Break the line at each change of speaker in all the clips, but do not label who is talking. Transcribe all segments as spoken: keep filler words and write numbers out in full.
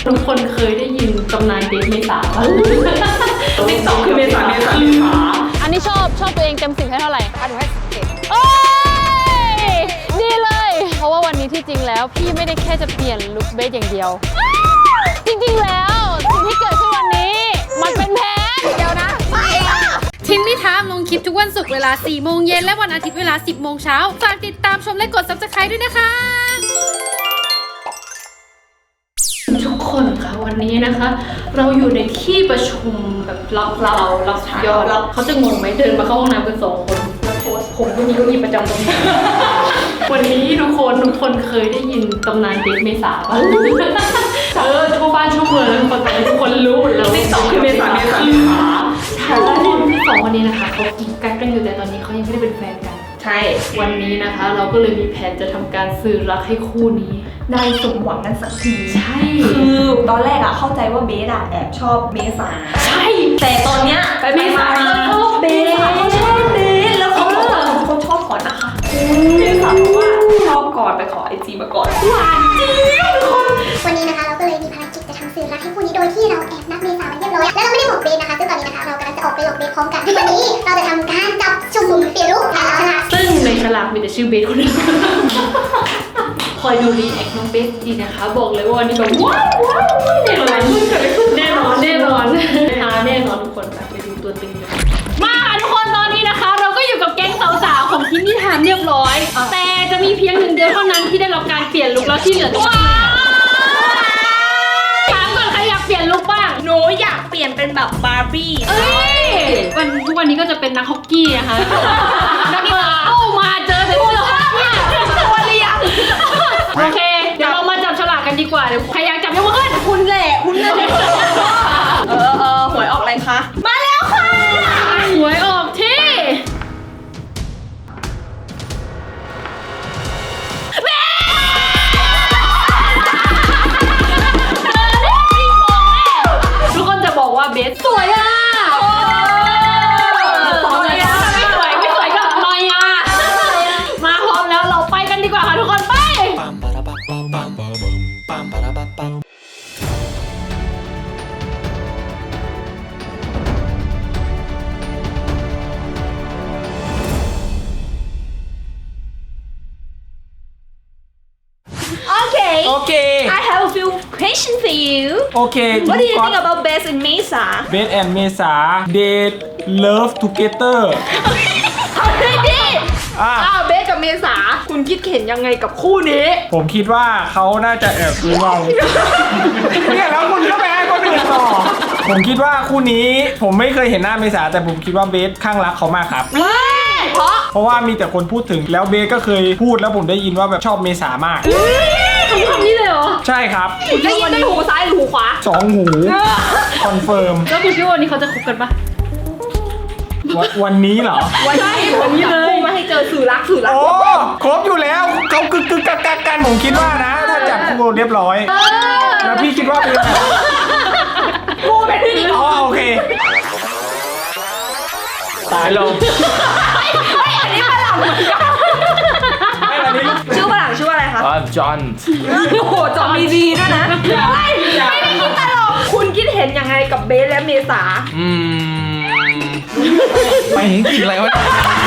ทุกคนเคยได้ยินตำนานเดทเมษาป่ะติ๊กต็อกคือเมษาเมษาเมษา
อันนี้ชอบชอบตัวเองเต็มสิบให้เท่าไหร่อ่ะหนูให้สิบเจ็ดโอ้ยดีเลยเพราะว่าวันนี้ที่จริงแล้วพี่ไม่ได้แค่จะเปลี่ยนลุคเบสอย่างเดียวจริงๆแล้วสิ่งที่เกิดขึ้นวันนี้มันเป็นแผนเดี๋ยวนะไม่อะ
ทินนี่ทามลงคลิปทุกวันศุกร์เวลาสี่โมงเย็นและวันอาทิตย์เวลาสิบโมงเช้าฝากติดตามชมและกด ซับสไครบ์ ด้วยนะคะ
ทุกคนคะวันนี้นะคะ เราอยู่ในที่ประชุมแบบรับเรารับยอดรับเขาจะงงไหมเดินมาเข้าห้องน้ำกันสองคนแล้วโพสผมก็มีเก้าอี้ประจำตรงนี้ วันนี้ทุกคนทุกคนเคยได้ยินตำนานเดทเมษาป่ะเออทั่วบ้านทั่วเมืองคนแต่ทุกคนรู้หมดแล้วติ๊กต็อกคือเมษาเมษาเมษาใช่สองคนนี้นะคะเขากิ๊กกักกันอยู่แต่ตอนนี้เขายังไม่ได้เป็นแฟนกัน
ใช่
วันนี้นะคะเราก็เลยมีแผนจะทำการสื่อรักให้คู่นี้
ได้สมหวังกันสักที
ใช่
คือตอนแรกอะเข้าใจว่าเบสอะแอบชอบเมษา
ใช่
แต่ตอนเนี้ย
ไปเมษา
ชอบเบสเขาชอบเบสแล้วเขาบอกว่าเขาชอบก่อนนะคะเมษาบอกว่าชอบก่อนไปขอไอจีมาก่อนหวานจริงทุกคน
วันนี้นะคะเราก็เลยมีภารกิจจะทำสื่อรักให้คู่นี้โดยที่เราแอบนัดเมษาไว้เรียบร้อยแล้วเราไม่ได้หมกเบสนะคะซึ่งตอนนี้นะคะเรากำลังจะออกไปหลอกเบสพร้อมกันวันนี้เราจะทำการจับจุ่มเปลี่ยนลุคทางฉลาก
ซึ่งในฉลากมีแต่ชื่อเบสคนเดียวคอยดูรีแอคน้องเบสดีนะคะบอกเลยว่าวันนี้แบบว้าวว้าวแน่นอนแน่นอนแน่นอนหาแน่นอนทุกคนไปดูตัวตึงเลยมาค่ะทุกคนตอนนี้นะคะเราก็อยู่กับแก๊งสาวๆของทินนี่ทามเรียบร้อยแต่จะมีเพียงหนึ่งเดียวเท่านั้นที่ได้รับการเปลี่ยนลุคแล้วที่เหลือว้าวถามก่อนใครอยากเปลี่ยนลุคบ้าง
หนูอยากเปลี่ยนเป็นแบบบาร์บี้
เอ้ยวันทุกวันนี้ก็จะเป็นนักฮอกกี้นะคะนักกีฬาโอ้มาเจอแต่เสื้อฮอกกี้ตัวเรียงโอเคเดี๋ยวเรามาจับฉลากกันดีกว่าเดี๋ยวใครอยากจับยกมือขึ้น
คุณแหละคุณแหละเออเออหวยออกอะไรคะมาแล้วค่ะ
หวยออกที่ทุกคนจะบอกว่าเบสสวยอ่ะไม่สวยไม่สวยก็หน่อยอ่ะมาพร้อมแล้วเราไปกันดีกว่าค่ะทุกคนไป
Okay. I have a few questions for you.
Okay.
What do you think about Best and Mesa?
Best and Mesa they love together.
เอาเลยดิ
อ่ะ
อ้าวเบสกับเมษาคุณคิดเห็นยังไงกับคู่นี้
ผมคิดว่าเขาน่าจะแอบดูเราเนี่ยแล้วคุณก็ไปให้คนอื่นต่อผมคิดว่าคู่นี้ผมไม่เคยเห็นหน้าเมษาแต่ผมคิดว่าเบสข้างรักเขามากครับ
เพราะ
เพราะว่ามีแต่คนพูดถึงแล้วเบสก็เคยพูดแล้วผมได้ยินว่าแบบชอบเมษามาก
คำคำนี้เลยเหรอ
ใช่ครับ
ได้ยินด้วยหูซ้ายหรือหูขวา
สองหูคอนเฟิร์ม
แล้วคุณคิดว่าวันนี้เขาจะคบกันปะ
วันนี้เหรอ
วันนี้วันนี้เลยมาให้เจอสื่อรักสื่อรัก
โอ้ครบอยู่แล้วเขากึกกึกกักกักกันผมคิดว่านะถ้าจับคู่เรียบร้อยแล้วพี่คิดว่าเป็นไง
กูเป็นพี่
อ๋อโอเคตายลง
อันนี้ฝรั่งเหมือนกันชื่อฝรั่งชื่ออะไรคะ
อ๋อจอห์น
โอ้โหจอห์นมีดีด้วยนะไม่ได้คิดตลกคุณคิดเห็นยังไงกับเบสและเมษา
อืมไปเห็นกลิ่นอะไรวะ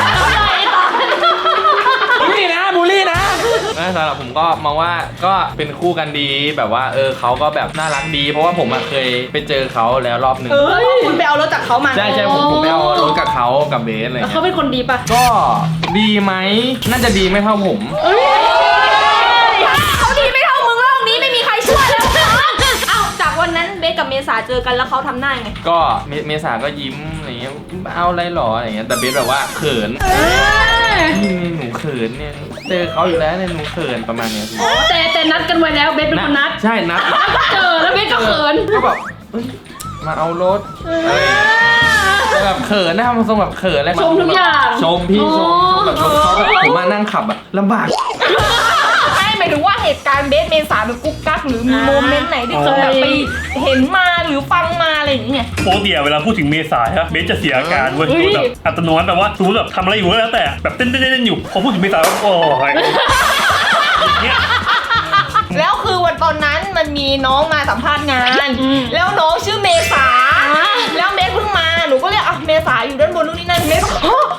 บูลลี่นะบูลลี่นะ
สำหรับผมก็มองว่าก็เป็นคู่กันดีแบบว่าเออเขาก็แบบน่ารักดีเพราะว่าผมเคยไปเจอเขาแล้วรอบหนึ่ง
เออคุณไปเอารถจากเขามา
ใช่ใช่ผมผมไปเอารถกับเขากับเบสอะไร
เขาเป็นคนดีปะ
ก็ดีไหมน่าจะดีไม่เท่าผม
เขาดีไม่เท่ามึงโลกนี้ไม่มีใครช่วยแล้วเอ้าจากวันนั้นเบสกับเมษาเจอกันแล้วเขาทำหน้าไง
ก็เมษาก็ยิ้มอะไรเงี้ยเอาอะไรหรออะไรเงี้ยแต่เบสแบบว่าเขินนี่หนูเขินเนี่ยเจอเขาอยู่แล้วเนี่ยหนูเขินประมาณนี้
แต่แต่นัดกันไว้แล้วเบสเป็นคนนัด
ใช่นัด
ก็เจอแล้วเบสก็เขิน
ก็แบบมาเอารถแบบเขินนะทำทรงแบบเขินอะไร
ชมทุกอย่าง
ชมพี่ชมชมแบบชมเขาแบบผมมานั่งขับอะลำบาก
ไม่หมายถึงว่าเหตุการณ์เบสเมษาเป็นกุ๊กกั๊กหรือมีโมเมนต์ไหนที่เคยแบบไปเห็นมาหรือฟังมาอะไรอย่างเงี้ย
ปกติเวลาพูดถึงเมษาครับเบสจะเสียอาการเว้ยแบบอัตโนมัติแบบว่าสมมติแบบทำอะไรอยู่ก็แล้วแต่แบบเต้นเต้นเต้นอยู่พอพูดถึงเมษาก็โอ้ย
แล้วคือวันตอนนั้นมันมีน้องมาสัมภาษณ์งาน แล้วน้องชื่อเมษาแล้วเบสเพิ่งมาหนูก็เรียกอ่ะเมษาอยู่ด้านบนนู่นนี่นั่นเมษา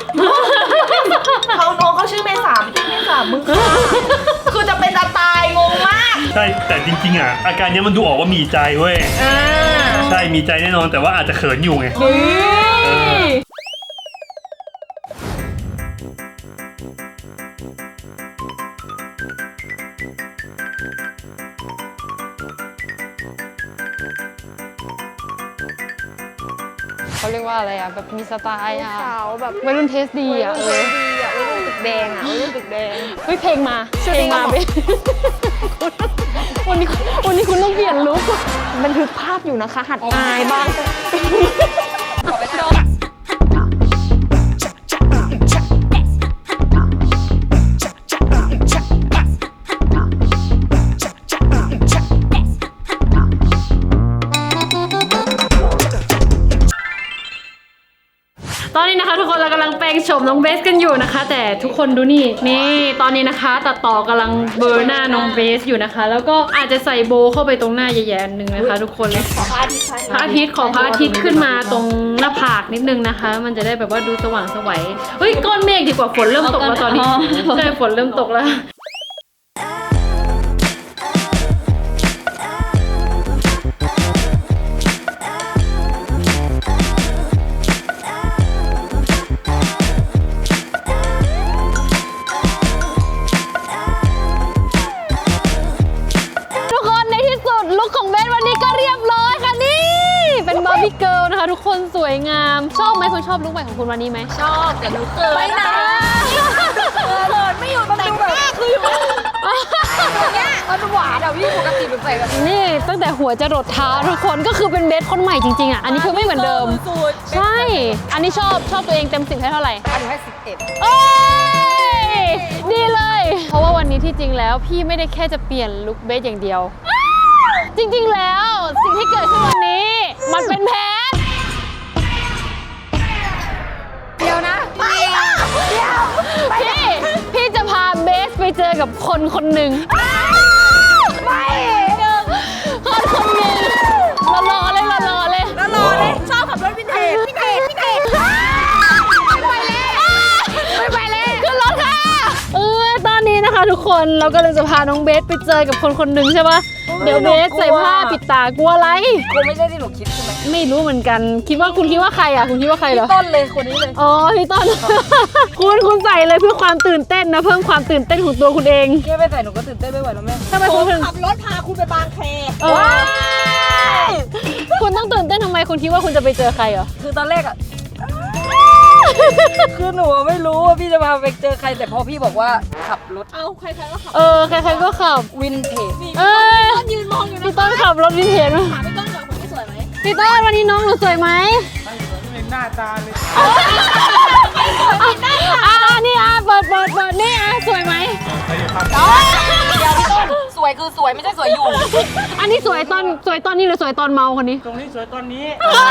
เขาน้องเขาชื่อเมษาไม่ใช่เมษามึงคือจะเป็นตาตายงงมาก
ใช่แต่จริงๆอ่ะอาการเนี้ยมันดูออกว่ามีใจเว้ย
อ่า
ใช่มีใจแน่นอนแต่ว่าอาจจะเขินอยู่ไง
เฮ้ย
เขาเรียกว่าอะไรอ่ะแบบมีสไตล์อ่ะ
สาวแบบ
วัยรุ่นเทสดีอ่ะ
เอ
เอ
อ
อ
ดีอ่ะวัยรุ่นตึกแดงอ่ะวัยรุ่นตึกแดง
เฮ้ยเพลงมา
ชื่อ
เพลงมา
เพลง
เบวันนี้วันนี้คุณต้องเปลี่ยนลุค
บันทึกภาพอยู่นะคะ หัดอายบ้าง
ตอนนี้นะคะทุกคนเรากำลังแปลงโฉมน้องเบสกันอยู่นะคะ แต่ทุกคนดูนี่นี่ตอนนี้นะคะตัดต่อกำลังเบลอร์หน้าน้องเบสอยู่นะคะ แล้วก็อาจจะใส่โบว์เข้าไปตรงหน้าแย่ๆหนึ่งนะคะ ทุกคนขอพระอาทิตย์พระอาทิตย์ขอพระอาทิตย์ขึ้นมาตรงหน้าผากนิดนึงนะคะ มันจะได้แบบว่าดูสว่างไสวัยเฮ้ยก้อนเมฆดีกว่าฝนเริ่มตกแล้วตอนนี้ใช่ฝนเริ่มตกแล้ว
ทุกคนในที่สุดลุคของเบสวันนี้ก็เรียบร้อยค่ะนี่เป็นบาร์บี้เกิร์ลนะคะทุกคนสวยงามชอบไหมคุณชอบลุคใหม่ของคุณวันนี้ไหมชอบแต่ลุคเกิร์ล
ไปไหนเลิศไม่อยู่ตรงดูแบบคืออยู่เนี้ยมันหวานอ่ะพี่ปกติเป็นใส่แบบ
นี่ตั้งแต่หัวจะรดเท้าทุกคนก็คือเป็นเบสคนใหม่จริงๆอ่ะอันนี้คือไม่เหมือนเดิมใช่อันนี้ชอบชอบตัวเองเต็มสิบให้เท่าไหร่
อันนี้ให้สิบเอ็ด
เอ้ยดีเลย เพราะว่าวันนี้ที่จริงแล้วพี่ไม่ได้แค่จะเปลี่ยนลุคเบสอย่างเดียว จริงๆแล้วสิ่งที่เกิดขึ้นวันนี้ มันเป็นแผนเดี๋ยวนะไปเดี๋ยวพี่พี่จะพาเบสไปเจอกับคนคนหนึ่งไม่คนคนหนึ่งรอๆเลยรอๆเลย
แล้วรอเลยชอบขับรถวินเทจวินเทจวินเทจ
ไปเลยไม่ไปเลยขึ้นรถค่ะเออตอนนี้นะคะทุกคนเรากำลังจะพาน้องเบสไปเจอกับคนคนหนึ่งใช่ปะเดี๋ยวเบสใส่ผ้าปิดตากลัวอะไร
กูไม่ใช่ที่หนูคิดใช่ไหม
ไม่รู้เหมือนกัน คิดว่าคุณคิดว่าใครอ่ะคุณคิดว่าใครเหรอ
ต้นเลยคนนี้เลย
อ๋อพี่ต้น คุณคุณใส่เลยเพื่อความตื่นเต้นนะเพิ่มความตื่นเต้นของตัวคุณเอง
แค่ไปใส่หนูก็ตื่นเต้นไม่ไหวแล้วแม่
ทำไมคุณถึง
ขับรถพาคุณไปบางแค
เออคุณต้องตื่นเต้นทำไมคุณคิดว่าคุณจะไปเจอใครเหรอ
คือตอนแรกอ่ะ คือหนูไม่รู้ว่าพี่จะพาไปเจอใครแต่พอพี่บอกว่าขับรถ เอาใครๆก็ขับ
เออใครๆก็ขับ
วินเทจ
เออยืนมองอยู่นะพี่ต้นขับรถวินเทจมาพี่ต้นกับคนที่สวยไหมพี่ต้นวันนี้น้องหนูสวยไหม
หน้าตาเลย
อ่านี่อ่ะเปิดเปิดเปิดนี่อ่ะสวยไหม
เดี๋ยวพี่ต้นสวยคือสวยไม่ใช่สวยอยู่
อันนี้สวยตอนสวยตอนนี้หรือสวยตอนเมาคนนี้
ตรงนี้สวยตอนนี้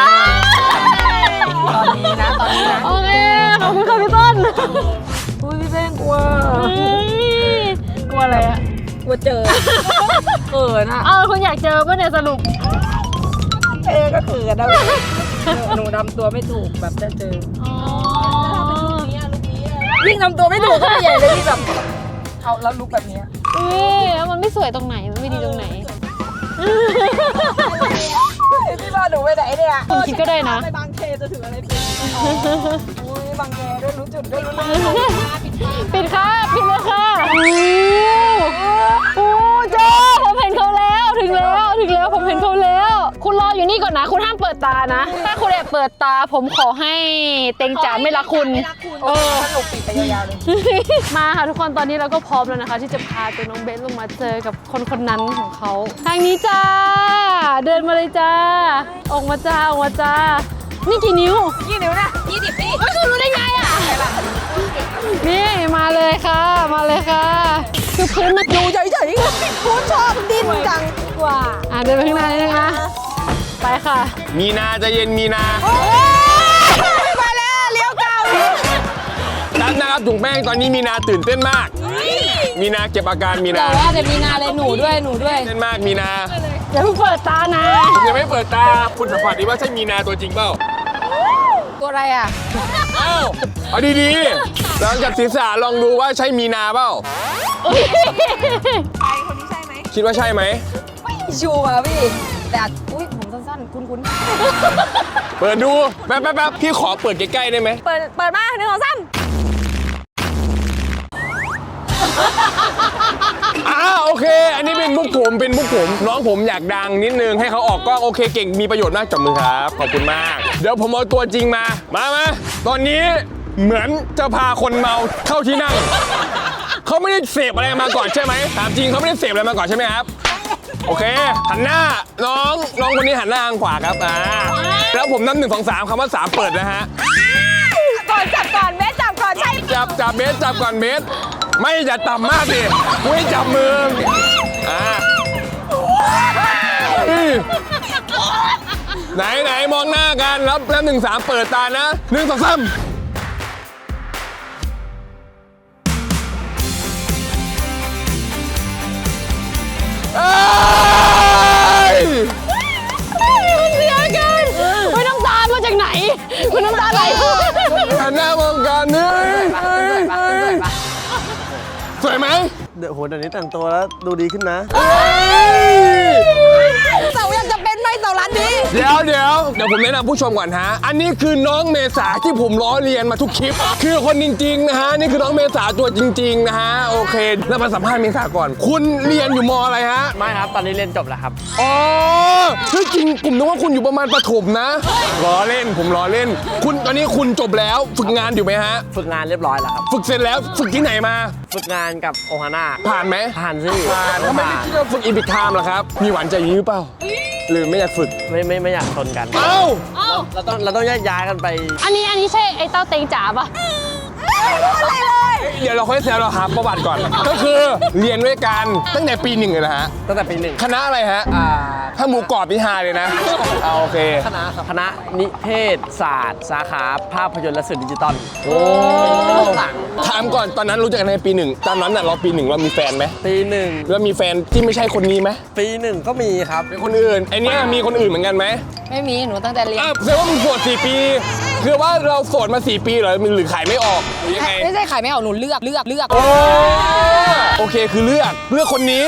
ตอนนี้นะตอนนี้นะ
โอเคขอบคุณค่ะพี่ต้น
อุ้ยพี่แป้งกลัว
เฮ้ยกลัวอะไรอ่ะ
กลัวเจอเขินอ่ะ
เออคุณอยากเจอป่ะเนี่ยสรุป
เจอก็เขินนะหนูทำตัวไม่ถูกแบบจะเจอ
อ๋อ
ยิ่งทำตัวไม่ถูกก็ใหญ่เลยที่แบบเอาแล้วลุกแบบนี้
เอ้ยแล้วมันไม่สวยตรงไหนมันไม่ดีตรงไหน
พี่ว่าหนูไปไหนเนี่ย
คุณคิดก็ได้นะ
ไปบางเคจะถึงอะไรเป็นโอ้ยบางแคด้วยรู้จุดด้วยรู้นะ
ปิดค่ะปิดเลยค่ะโอ้โอ้โจผมเห็นเขาแล้วถึงแล้วถึงแล้วผมเห็นเขาแล้ว คุณรออยู่นี่ก่อนนะคุณห้ามเปิดตานะ ถ้าคุณแอบเปิดตาผมขอให้เต็งจ๋าไม่รักคุณเออ
สนุกปิดไปยาวๆเลย
มาค่ะทุกคนตอนนี้เราก็พร้อมแล้วนะคะ ที่จะพาตัวน้องเบสลงมาเจอกับคนคนนั้นของเขาทางนี้จ้าเดินมาเลยจ้าออกมาจ้าออกมาจ้านี่กี่นิ้ว
ยี่นิ้วนะยี่สิบพี่
เอ้ยคุณรู้ได้ไงอ่ะนี่มาเลยค่ะ มาเลยค่ะคือพื้นมัน
ดูเฉยๆกูชอบดิ้นจังกว่า
อ่ะเดินไปข้างหน้านิดนึงนะไปค่ะ
มีนาใจะเย็นมีนา
มาแล้วเลี้ยวเก่า
นัดนะครับถุงแป้งตอนนี้มีนาตื่นเต้นมาก มมีนาเก็บอาการมีนา
แต่ว่าแต่มีนาเลยหนูด้วยหนูด้วย
เล่นมากมีนา
อย่าเพิ่งเปิดตานะ
ผมยังไม่เปิดตาคุณสัมผัสดีว่าใช่มีนาตัวจริงเปล่า
ตัวอะไรอ่ะ
เอ้าเอาดีๆลองจับศีรษะลองดูว่าใช่มีนาเปล่าคิดว่าใช่ไหม
ชัวร์พี่แต่อาจอุ้ยผมสั้นๆคุ้น
เปิดดูแป๊บแป๊บแป๊บพี่ขอเปิดใกล้ๆได้ไหม
ๆเปิดเปิดมาหนึ่งสองสาม
อ่าโอเค อันนี้เป็นมุกผมเป็นมุกผมน้องผมอยากดังนิดนึงให้เขาออกกล้องโอเคเก่งมีประโยชน์มากจับมือครับขอบคุณมากเดี๋ยวผมเอาตัวจริงมามามาตอนนี้เหมือนจะพาคนเมาเข้าที่นั่งเขาไม่ได้เสพอะไรมาก่อนใช่ไหมถามจริงเขาไม่ได้เสพอะไรมาก่อนใช่ไหมครับโอเคหันหน้าน้องน้องคนนี้หันหน้าทางขวาครับอ่าแล้วผมนับหนึ่งสองสามคำว่าสามเปิดนะฮะ
ก่อนจับก่อนเบสจับก่อนใช่
จับจับเบสจับก่อนเบสไม่อย่าต่ำมากดิไม่จับมืออ่าไหนไหนมองหน้ากันแล้วแล้วหนึ่งสามเปิดตานะหนึ่งสองสามเอ้ย
มันเสียกันไม่น้ำตามาจากไหนมันน้ำตาไหล
หันหน้ามองกันเฮ้ยสวยไหม
เดี๋ยวโหเดี๋ยวนี้แต่งตัวแล้วดูดีขึ้นนะ
เสาอยากจะเป็นไหมเสาร้านนี้
เดี๋ยวเดี๋ยวเดี๋ยวผมแนะนำผู้ชมก่อนฮะอันนี้คือน้องเมษาที่ผมล้อเลียนมาทุกคลิป คือคนจริงๆนะฮะนี่คือน้องเมษาตัวจริงๆนะฮะโอเคแล้วมาสัมภาษณ์เมษาก่อน คุณเรียนอยู่มอะไรฮะ
ไม่ครับ ตอนนี้เรียนจบแล้วครับ
อ๋อเฮ้ยจริงผมนึกว่าคุณอยู่ประมาณประถมนะล้อเล่นผมล้อเล่น คุณตอนนี้คุณจบแล้วฝึกงานอยู่ไหมฮะ
ฝึกงานเรียบร้อยแล้วครับ
ฝึกเสร็จแล้วฝึกที่ไหนมา
ฝึกงานกับโอฮาน่า
ผ่านไหม
ผ่านสิ
ผ่านทำไมไม่คิดว่าฝึกอีพิคไทม์ล่ะครับมีหวานใจอย่างนี้หรือเปล่าหรือไม่อยากฝึก
ไม่ไม่ไม่อยากชนกัน
เอ้า
เราต้องเราต้องแยกย้ายกันไป
อันนี้อันนี้ใช่ไอ้เต้าเต็งจ๋าปะ
เดี๋ยวเราค่อยแซวเราหาประวัติก่อน ก็คือเรียนด้วยกันตั้งแต่ปีหนึ่งเลยนะฮะ
ตั้งแต่ปีหนึ่ง
คณะอะไรฮะ
อ่า
ถ้าหมูกรอบนี่ฮาเลยนะเอาโอเค
คณะครับคณะนิเทศศาสตร์ สาขาภาพยนตร์และสื่อดิจิตอล
โอ้ถามก่อนตอนนั้นรู้จักกันในปีหนึ่งตอนนั้นน่ะเราปีหนึ่งเรามีแฟนไหม
ปีหนึ่ง
แล้วมีแฟนที่ไม่ใช่คนนี้ไหม
ปีหนึ่งก็มีครับ
เป็นคนอื่นไอเนี้ยมีคนอื่นเหมือนกันไหม
ไม่มีหนูตั้งแต่เรียน
อ้าวแสดงว่ามึงโสดสี่ปีคือว่าเราโสดมาสี่ปีเหรอหรือขายไม่ออกหรือยังไง
ไม่ใช่ขายไม่ออกหนูเลือกเลือกเลือก
โอ้โอเคคือเลือกเลือกคนนี้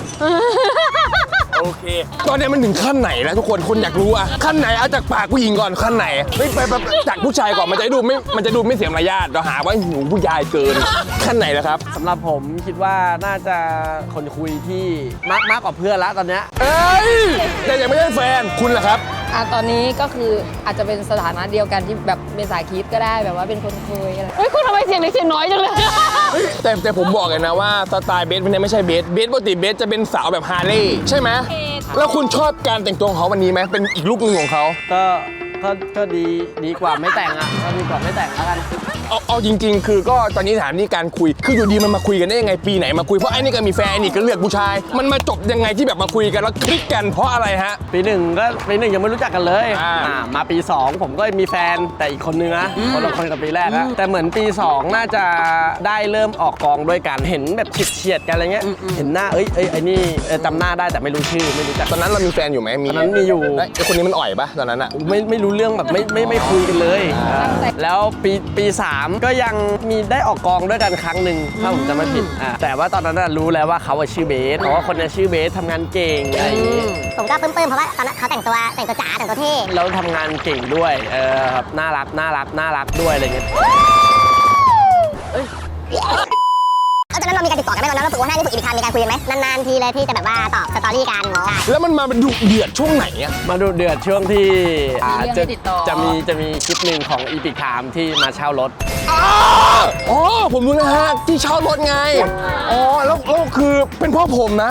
โอเค ตอนนี้มันถึงขั้นไหนแล้วทุกคนคนอยากรู้อะขั้นไหนเอาจากปากผู้หญิงก่อนขั้นไหนไม่ไปไปจากผู้ชายก่อนมันจะดูไม่มันจะดูไม่เสียมารยาทเราหาว่าหนูผู้ชายเกินขั้นไหนแล้วครับ
สำหรับผมคิดว่าน่าจะคนคุยที่มากมากกว่าเพื่อนละตอนเนี้ย
เอ้ยแต่ยังไม่ได้แฟนคุณล่ะครับ
อ่ะตอนนี้ก็คืออาจจะเป็นสถานะเดียวกันที่แบบเป็นสายคิดก็ได้แบบว่าเป็นคนเคยอะไรเฮ้ยคุณทำไมเสียงเล็กเสียงน้อยจังเลย
แต่แต่ผมบอกเลยนะว่าสไตล์เบสวันนี้ไม่ใช่เบสเบสปกติเบสจะเป็นสาวแบบฮาร์เลย์ใช่ไหมแล้วคุณชอบการแต่งตัวของเขาวันนี้ไหมเป็นอีกลุคหนึ่งของเขา
ก็ก็ก็ดีดีกว่าไม่แต่งอ่ะก็ดีกว่าไม่แต่งแล้วกัน
เอาเอาจริง ๆ คือก็ตอนนี้ถามนี่การคุยคืออยู่ดีมันมาคุยกันได้ยังไงปีไหนมาคุยเพราะไอ้นี่ก็มีแฟนไอ้นี่ก็เลือกผู้ชาย มันมาจบยังไงที่แบบมาคุยกันแล้วคลิกกันเพราะอะไรฮะ
ปีหนึ่งก็ปีหนึ่งยังไม่รู้จักกันเลย
อ่า
อ่ามาปีสองผมก็มีแฟนแต่อีกคนนึงนะคนละคนกับปีแรกนะแต่เหมือนปีสองน่าจะได้เริ่มออกกองด้วยกันเห็นแบบเฉียดๆกันอะไรเงี้ยเห็นหน้าเอ้ยเอ้ยไอ้นี่เออจำหน้าได้แต่ไม่รู้ชื่อไม่รู้จัก
ตอนนั้นเรามีแฟนอยู่ไหมมี
ตอนนั้นมีอยู่
แล้วไอ้คนนี้มันอ่อยปะตอนนั้นอะ
ไม่ไม่รู้เรื่องแบบไม่ไม่ไม่คุยกันเลยอ่าแล้วปีปีสามก็ยังมีได้ออกกองด้วยกันครั้งหนึ่งถ้าผมจำไม่ผิดอ่าแต่ว่าตอนนั้นน่ะรู้แล้วว่าเขาอะชื่อเบสเพราะว่าคนนี้ชื่อเบสทำงานเก่งอะไรอย่างงี้
ผมก็ปลื้มๆเพราะว่าตอนนั้นเขาแต่งตัวแต่งตัวจ๋าแต่งตัวเท่
แล้วทำงานเก่งด้วยเออครับน่ารักน่ารักน่ารักด้วยอะไรเงี้ย
เออตอนนั้นเรามีการติดต่อกันไหมตอนนั้นเราฝึกว่าหน้านี่ฝึกอีกครั้งมีการคุยกันไหมนานๆทีเลยที่จะแบบว่าตอบสตอรี่กันใช่
แล้วมันมาเป็นดุเดือดช่วงไหนอะ
มาดูเดือดช่วงที่อ่า
มีเรื่อง
จะ
ให้ติดต่อ
จะมีจะมีคลิปหนึ่งของอีพิกไทม์ที่มาเช่ารถ
อ๋ออ๋อผมรู้นะฮะที่เช่ารถไงอ๋อแล้วแล้วคือเป็นเพ่อผมนะ ผ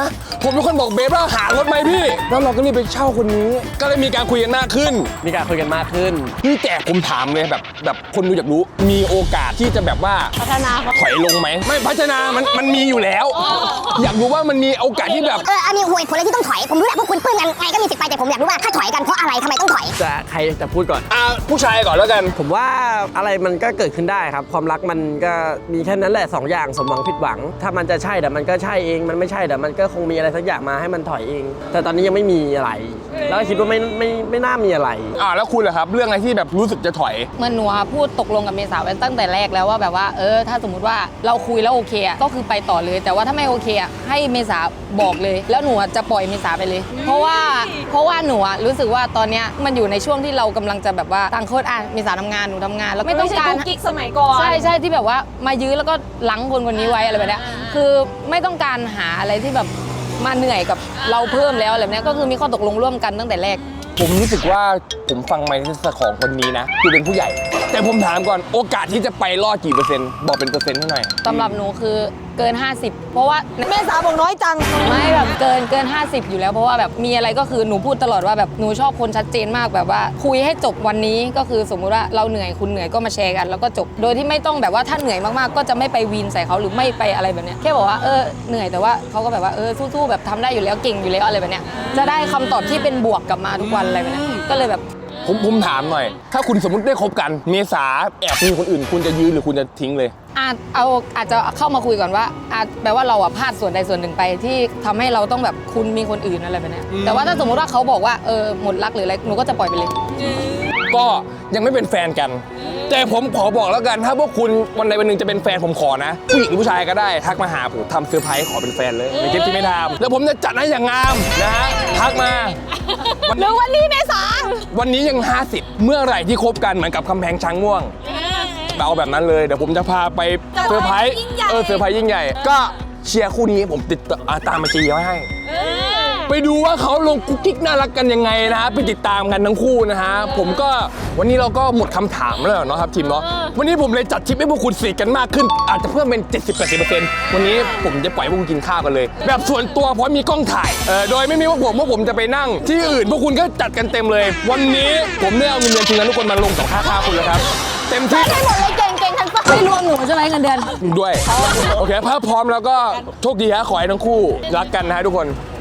ผมเป็นคนบอกเบฟว่าหารถไหมพี่ แล้วเราก็รีบไปเช่าคนนี้ ก็เลยมีการคุยกันมากขึ้น
มีการคุยกันมากขึ้น
พี่แต่ผมถามเลยแบบแบบคนดูอยากรู้ มีโอกาสที่จะแบบว่า
พัฒนาเขา
ถอยลงไหม ไม่พัฒนา มันมันมีอยู่แล้ว อยากรู้ว่ามันมีโอกาสที่แบบ
เอออันนี้ห่วยผลเลยที่ต้องถอย ผมรู้แหละพวกคุณปลื้มกันไงก็มีสิทธิ์ไป แต่ผมอยากรู้ว่าถ้าถอยกันเพราะอะไรทำไมต้องถอย
จะใครจะพูดก่อน
อ่าผู้ชายก่อนแล้วกัน
ผมว่าอะไรมันก็เกิดขึ้นได้ครับ ความรักมันก็มีแค่นั้นแหละสองอย่างสมหวังผิดหวัง ถ้ามันจะใช่แต่มันก็ใช่เองมันไม่ใช่แต่มันก็คงมีอะไรสักอย่างมาให้มันถอยเอง แต่ตอนนี้ยังไม่มีอะไร แล้วคิดว่าไม่ไม่ไม่น่ามีอะไร
อ่าแล้วคุณล่ะครับ เรื่องอะไรที่แบบรู้สึกจะถอย
เหมื่อนหนูอะพูดตกลงกับเมษาไว้ตั้งแต่แรกแล้วว่าแบบว่าเออถ้าสมมติว่าเราคุยแล้วโอเคอะก็คือไปต่อเลย แต่ว่าถ้าไม่โอเคอะให้เมษาบอกเลย แล้วหนูอะจะปล่อยเมษาไปเลย เพราะว่าเพราะว่าหนูอะรู้สึกว่าตอนเนี้ยมันอยู่ในช่วงที่เรากำลังจะแบบว่าต่างคนอ่ะเมษาทำงานหนูทำงานแล้วไม่ต้องการ
กิ๊กสมัยก่อน
ใช่ใช่ที่แบบว่ามายื้อแล้วก็ล้างคนคนนี้ไว้อะไรแบบเนี้ยคือไม่ต้องการหาอะไรที่แบบมาเหนื่อยกับเราเพิ่มแล้วอะไรแบบเนี้ยก็คือมีข้อตกลงร่วมกันตั้งแต่แรก
ผมรู้สึกว่าผมฟังไมค์ของคนนี้นะคือเป็นผู้ใหญ่ แต่ผมถามก่อนโอกาสที่จะไปรอดกี่เปอร์เซ็นต์บอกเป็นเปอร์เซ็นต์เท่าไหร่
สำหรับหนูคือเกิน ห้าสิบ เพราะว่าแม่สาวบอกน้อยจังไม่แบบเกินเกิน ห้าสิบ อยู่แล้วเพราะว่าแบบมีอะไรก็คือหนูพูดตลอดว่าแบบหนูชอบคนชัดเจนมากแบบว่าคุยให้จบวันนี้ก็คือสมมุติว่าเราเหนื่อยคุณเหนื่อยก็มาแชร์กันแล้วก็จบโดยที่ไม่ต้องแบบว่าถ้าเหนื่อยมากๆก็จะไม่ไปวีนใส่เขาหรือไม่ไปอะไรแบบเนี้ยแค่บอกว่าเออเหนื่อยแต่ว่าเขาก็แบบว่าเออสู้ๆแบบทำได้อยู่แล้วเก่งอยู่แล้วอะไรแบบเนี้ยจะได้คำตอบที่เป็นบวกกลับมาทุกวันอะไรแบบเนี้ยก็เลยแบบ
ผมผมถามหน่อย ถ้าคุณสมมติได้คบกันเมษาแอบมีคนอื่น คุณจะยืนหรือคุณจะทิ้งเลย
อาจเอาอาจจะเข้ามาคุยก่อนว่าอาจแปลว่าเราอะพลาดส่วนใดส่วนหนึ่งไปที่ทำให้เราต้องแบบคุณมีคนอื่นอะไรแบบเนี้ยแต่ว่าถ้าสมมติว่าเขาบอกว่าเออหมดรักหรืออะไรหนูก็จะปล่อยไปเลย
ก็ยังไม่เป็นแฟนกัน แต่ผมขอบอกแล้วกัน ถ้าพวกคุณวันใดวันหนึ่งจะเป็นแฟนผมขอนะผู้หญิงหรือผู้ชายก็ได้ทักมาหาผมทำเซอร์ไพรส์ขอเป็นแฟนเลยในคลิปที่ไม่ทำแล้วผมจะจัดให้อย่างงามนะฮะทักมา
หรือวันนี้เมษา
วันนี้ยัง ห้าสิบ เมื่อไหร่ที่คบกันเหมือนกับคำแพงช้างม่วงเอาแบบนั้นเลยเดี๋ยวผมจะพาไปเซอร์ไพรส์เออเซอร์ไพรส์ยิ่งใหญ่ก็เชียร์คู่นี้ผมติดอ่าตามมาเชียร์ไว้ให้ไปดูว่าเขาลงกุ๊กกิ๊กน่ารักกันยังไงนะฮะไปติดตามกันทั้งคู่นะฮะผมก็วันนี้เราก็หมดคำถามแล้วเนาะครับทีมเนาะวันนี้ผมเลยจัดทริปให้พวกคุณสนิทกันมากขึ้น อาจจะเพิ่มเป็น เจ็ดสิบถึงแปดสิบเปอร์เซ็นต์ วันนี้ผมจะปล่อยพวกคุณกินข้าวกันเลย แบบส่วนตัวเพราะมีกล้องถ่ายเออโดยไม่มีพวกผมพวกผมจะไปนั่งที่อื่นพวกคุณก็จัดกันเต็มเลย วันนี้ผมได้เอาเงินเดือนทีมงานทุกคนมาลงกับค่าข้าวคุณแล้วครับเต็มที่
ไม่หมดเลยเก่งเก่งทันปะไม่รวมหนูใช่ไหมเงินเดือน
ด้วยโอเคถ้าพร้อมแล้วก็โชคดีฮะขอให้ทั้งคู่รักกันนะฮะทุกคน